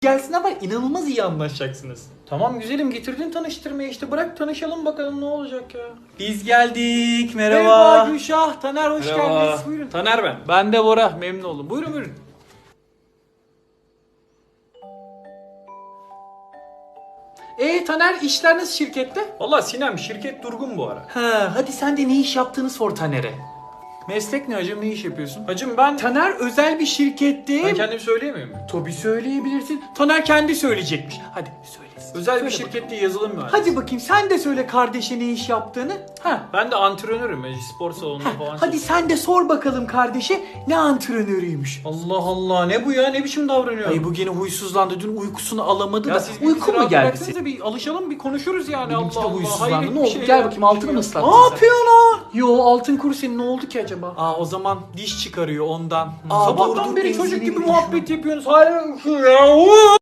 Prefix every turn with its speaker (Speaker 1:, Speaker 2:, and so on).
Speaker 1: gelsin ama inanılmaz iyi anlaşacaksınız.
Speaker 2: Tamam güzelim, getirdin tanıştırmaya, işte bırak tanışalım bakalım ne olacak ya.
Speaker 1: Biz geldik.
Speaker 2: Merhaba.
Speaker 1: Gülşah, Taner hoş geldiniz. Buyurun.
Speaker 2: Taner ben.
Speaker 1: Ben de Bora, memnun oldum. Buyurun buyurun. Taner, işler nasıl şirkette?
Speaker 2: Valla Sinem, şirket durgun bu ara.
Speaker 1: Ha, hadi sen de ne iş yaptığını sor Taner'e. Meslek ne hacım, ne iş yapıyorsun?
Speaker 2: Hacım ben
Speaker 1: Taner özel bir şirkette.
Speaker 2: ben kendim söyleyemiyor muyum?
Speaker 1: Tabii söyleyebilirsin. Taner kendi söyleyecekmiş. Hadi söylesin.
Speaker 2: Özel bir
Speaker 1: Söyle
Speaker 2: şirkette yazılım mühendisi.
Speaker 1: Hadi bakayım sen de söyle kardeşe ne iş yaptığını. Ha.
Speaker 2: Ben de antrenörüm. Spor salonunda falan.
Speaker 1: Hadi sen de sor bakalım kardeşe ne antrenörüymüş.
Speaker 2: Allah Allah, ne bu ya, ne biçim davranıyor?
Speaker 1: Ay bu gene huysuzlandı. Dün uykusunu alamadı
Speaker 2: Ya
Speaker 1: da.
Speaker 2: siz bir
Speaker 1: Uyku
Speaker 2: bizi
Speaker 1: mu
Speaker 2: rahat
Speaker 1: geldi
Speaker 2: bıraksanıza,
Speaker 1: senin?
Speaker 2: bir alışalım, bir konuşuruz yani.
Speaker 1: Benimki de
Speaker 2: Allah Allah,
Speaker 1: huysuzlandı.
Speaker 2: hayret
Speaker 1: Ne
Speaker 2: bir
Speaker 1: oldu?
Speaker 2: şey
Speaker 1: Gel
Speaker 2: ya,
Speaker 1: bakayım,
Speaker 2: bir
Speaker 1: altını
Speaker 2: şey
Speaker 1: mı
Speaker 2: ya.
Speaker 1: ıslattın
Speaker 2: Ne
Speaker 1: sen?
Speaker 2: yapıyorsun lan?
Speaker 1: Yo, altın kuru senin, ne oldu ki acaba?
Speaker 2: Aa, o zaman diş çıkarıyor ondan.
Speaker 1: Aa,
Speaker 2: Sabahtan
Speaker 1: dur,
Speaker 2: beri
Speaker 1: benzini
Speaker 2: çocuk gibi
Speaker 1: bir
Speaker 2: muhabbet yapıyorsunuz. Hayır ya.